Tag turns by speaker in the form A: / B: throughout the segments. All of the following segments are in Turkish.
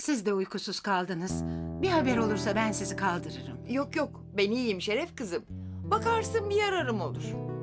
A: Siz de uykusuz kaldınız. Bir haber olursa ben sizi kaldırırım.
B: Yok yok, ben iyiyim Şeref kızım. Bakarsın bir yararım olur.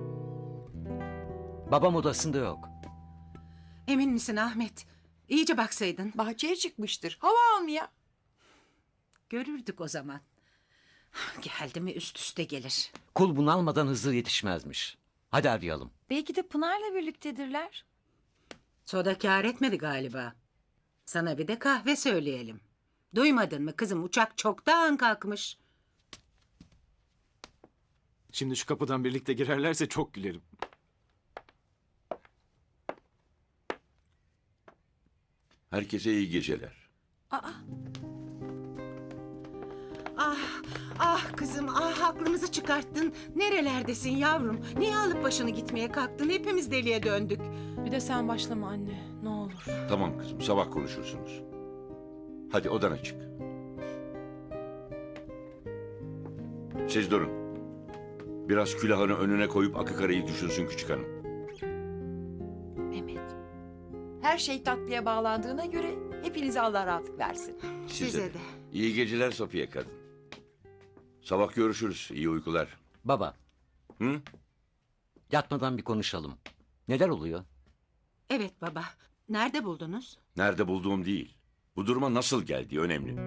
C: Babam odasında yok.
A: Emin misin Ahmet? İyice baksaydın.
B: Bahçeye çıkmıştır, hava almaya.
A: Görürdük o zaman. Geldi mi üst üste gelir.
C: Kul bunu almadan Hızır yetişmezmiş. Hadi arayalım.
D: Belki de Pınar'la birliktedirler.
A: Soda kâr etmedi galiba. Sana bir de kahve söyleyelim. Duymadın mı kızım, uçak çoktan kalkmış.
E: Şimdi şu kapıdan birlikte girerlerse çok gülerim.
F: Herkese iyi geceler.
A: Ah kızım, ah aklımızı çıkarttın. Nerelerdesin yavrum? Niye alıp başını gitmeye kalktın? Hepimiz deliye döndük.
G: Bir de sen başlama anne, ne olur.
F: Tamam kızım, sabah konuşursunuz. Hadi odana çık. Siz durun. Biraz külahını önüne koyup Akıkara'yı düşünsün küçük hanım.
D: Mehmet.
B: Her şey tatlıya bağlandığına göre hepinize Allah rahatlık versin.
A: Size de.
F: İyi geceler Safiye kadın. Sabah görüşürüz. İyi uykular.
C: Baba,
F: Hı?
C: yatmadan bir konuşalım. Neler oluyor?
A: Evet baba. Nerede buldunuz?
F: Nerede bulduğum değil. Bu duruma nasıl geldiği önemli.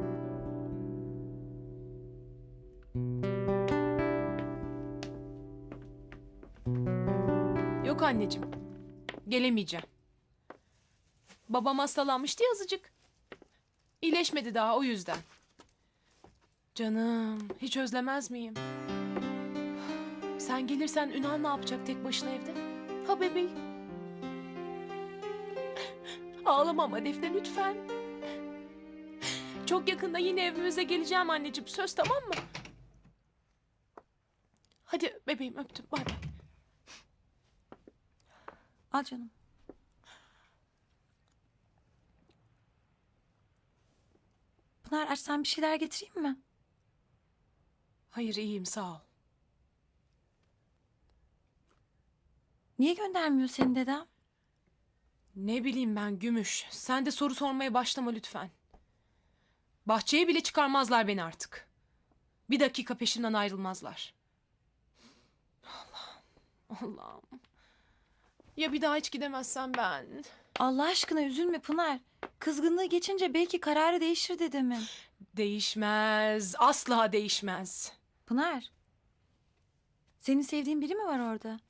G: Yok anneciğim, gelemeyeceğim. Babam hastalanmıştı ya azıcık. İyileşmedi daha o yüzden. Canım, hiç özlemez miyim? Sen gelirsen Ünal ne yapacak tek başına evde? Ha bebeğim? Ağlama ama Defne lütfen. Çok yakında yine evimize geleceğim anneciğim. Söz, tamam mı? Hadi bebeğim, öptüm. Bay bay.
D: Al canım. Pınar açsan bir şeyler getireyim mi?
G: Hayır, iyiyim, sağ ol.
D: Niye göndermiyor seni dedem?
G: Ne bileyim ben Gümüş. Sen de soru sormaya başlama lütfen. Bahçeye bile çıkarmazlar beni artık. Bir dakika peşimden ayrılmazlar. Allah'ım, Allah'ım. Ya bir daha hiç gidemezsem ben?
D: Allah aşkına üzülme Pınar. Kızgınlığı geçince belki kararı değişir dedemin.
G: Değişmez. Asla değişmez.
D: Pınar. Senin sevdiğin biri mi var orada?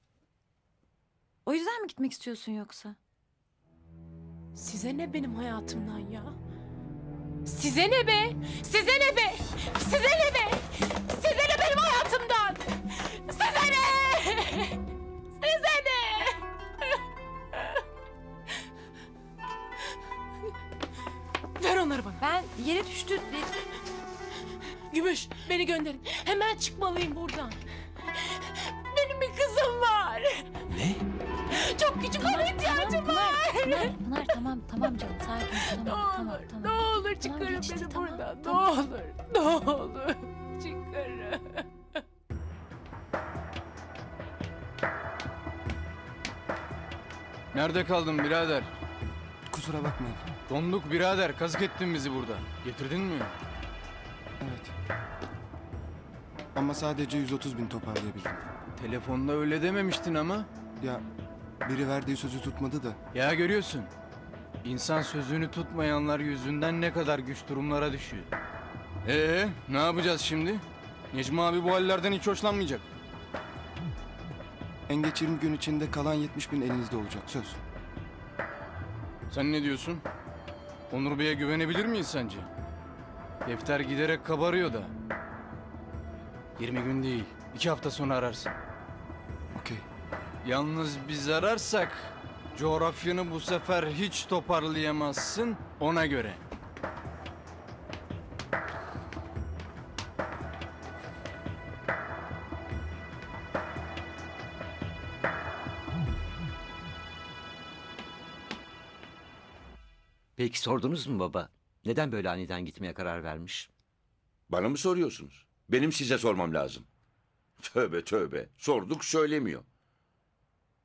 D: O yüzden mi gitmek istiyorsun yoksa?
G: Size ne benim hayatımdan ya? Size ne be? Size ne be? Size ne be? Size ne benim hayatımdan? Size ne? Size ne? Ver onları bana.
D: Ben yere düştü.
G: Gümüş, beni gönderin. Hemen çıkmalıyım buradan. Benim bir kızım var.
C: Ne?
G: Çok küçük, ona ihtiyacım var.
D: Pınar tamam canım sakin ol.
G: Ne
D: Tamam
G: olur,
D: tamam.
G: ne olur
D: Tamam,
G: çıkarın
D: geçti,
G: beni
D: tamam,
G: buradan.
D: tamam.
G: Ne olur çıkarın.
H: Nerede kaldın birader?
E: Kusura bakmayın.
H: Donduk birader, kazık ettin bizi burada. Getirdin mi?
E: Evet. Ama sadece 130 bin toparlayabildim.
H: Telefonda öyle dememiştin ama.
E: Ya biri verdiği sözü tutmadı da.
H: Ya görüyorsun. İnsan sözünü tutmayanlar yüzünden ne kadar güç durumlara düşüyor. Ne yapacağız şimdi? Necmi abi bu hallerden hiç hoşlanmayacak.
E: En geç 20 gün içinde kalan 70 bin elinizde olacak söz.
H: Sen ne diyorsun? Onur Bey'e güvenebilir miyiz sence? Defter giderek kabarıyor da. 20 gün değil, 2 hafta sonra ararsın.
E: Okey.
H: Yalnız biz ararsak coğrafyanı bu sefer hiç toparlayamazsın, ona göre.
C: Peki sordunuz mu baba? Neden böyle aniden gitmeye karar vermiş?
F: Bana mı soruyorsunuz? Benim size sormam lazım. Tövbe tövbe. Sorduk söylemiyor.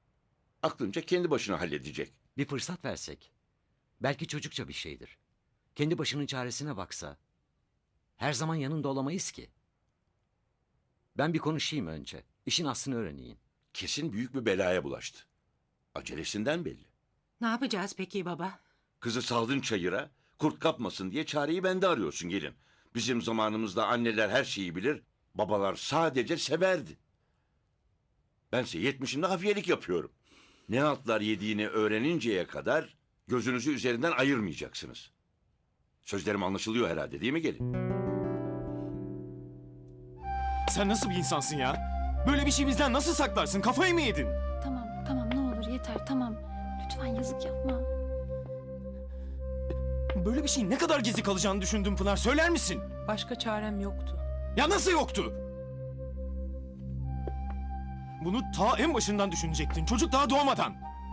F: Aklınca kendi başına halledecek.
C: Bir fırsat versek. Belki çocukça bir şeydir. kendi başının çaresine baksa, her zaman yanında olamayız ki. Ben bir konuşayım önce. İşin aslını öğreneyim.
F: Kesin büyük bir belaya bulaştı. Acelesinden belli.
A: Ne yapacağız peki baba?
F: Kızı saldın çayıra, kurt kapmasın diye çareyi bende arıyorsun gelin. Bizim zamanımızda anneler her şeyi bilir, babalar sadece severdi. Bense 70'imde hafiyelik yapıyorum. Ne altlar yediğini öğreninceye kadar gözünüzü üzerinden ayırmayacaksınız. Sözlerim anlaşılıyor herhalde değil mi gelin?
I: Sen nasıl bir insansın ya? Böyle bir şey bizden nasıl saklarsın? Kafayı mı yedin?
D: Tamam tamam ne olur yeter tamam. Lütfen yazık yapma.
I: Böyle bir şeyin ne kadar gizli kalacağını düşündün Pınar. Söyler misin?
G: Başka çarem yoktu.
I: Ya nasıl yoktu? Bunu ta en başından düşünecektin. Çocuk daha doğmadan.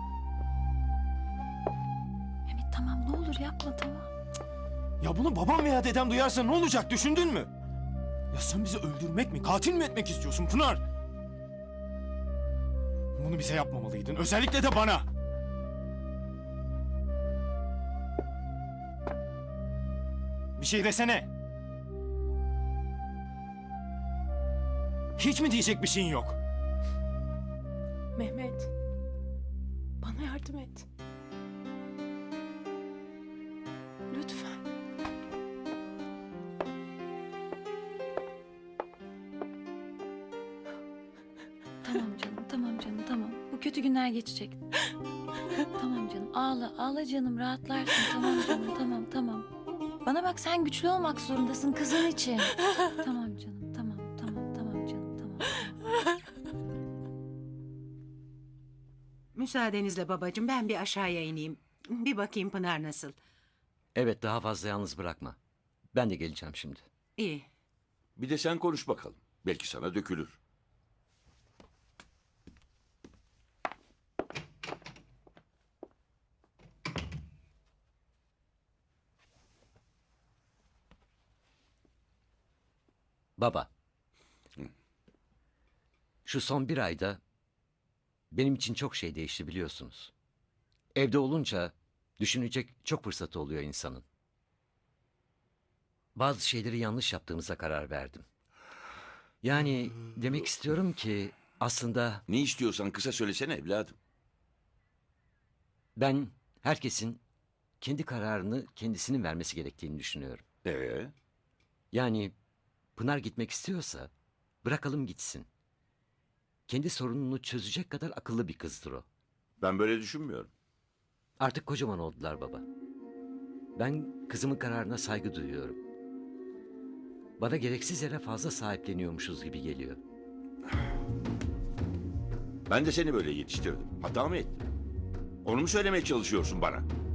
D: Mehmet tamam ne olur yapma tamam.
I: Ya bunu babam veya dedem duyarsa ne olacak düşündün mü? Ya sen bizi öldürmek mi, katil mi etmek istiyorsun Pınar? Bunu bize yapmamalıydın. Özellikle de bana. Bir şey desene. Hiç mi diyecek bir şeyin yok?
G: Mehmet. Bana yardım et. Lütfen.
D: Tamam canım tamam. Bu kötü günler geçecek. Tamam canım ağla canım rahatlarsın tamam canım tamam. Bana bak sen güçlü olmak zorundasın kızın için. Tamam canım tamam canım tamam.
A: Müsaadenizle babacığım ben bir aşağıya ineyim. Bir bakayım Pınar nasıl.
C: Evet, daha fazla yalnız bırakma. Ben de geleceğim şimdi.
A: İyi.
F: Bir de sen konuş bakalım. Belki sana dökülür.
C: Baba. Şu son bir ayda benim için çok şey değişti biliyorsunuz. Evde olunca düşünecek çok fırsatı oluyor insanın. Bazı şeyleri yanlış yaptığımıza karar verdim. Yani demek istiyorum ki aslında
F: Ne istiyorsan kısa söylesene evladım.
C: ben herkesin kendi kararını kendisinin vermesi gerektiğini düşünüyorum. Yani Pınar gitmek istiyorsa bırakalım gitsin. Kendi sorununu çözecek kadar akıllı bir kızdır o.
F: Ben böyle düşünmüyorum.
C: Artık kocaman oldular baba. Ben kızımın kararına saygı duyuyorum. Bana gereksiz yere fazla sahipleniyormuşuz gibi geliyor.
F: Ben de seni böyle yetiştirdim. Hata mı ettim? Onu mu söylemeye çalışıyorsun bana?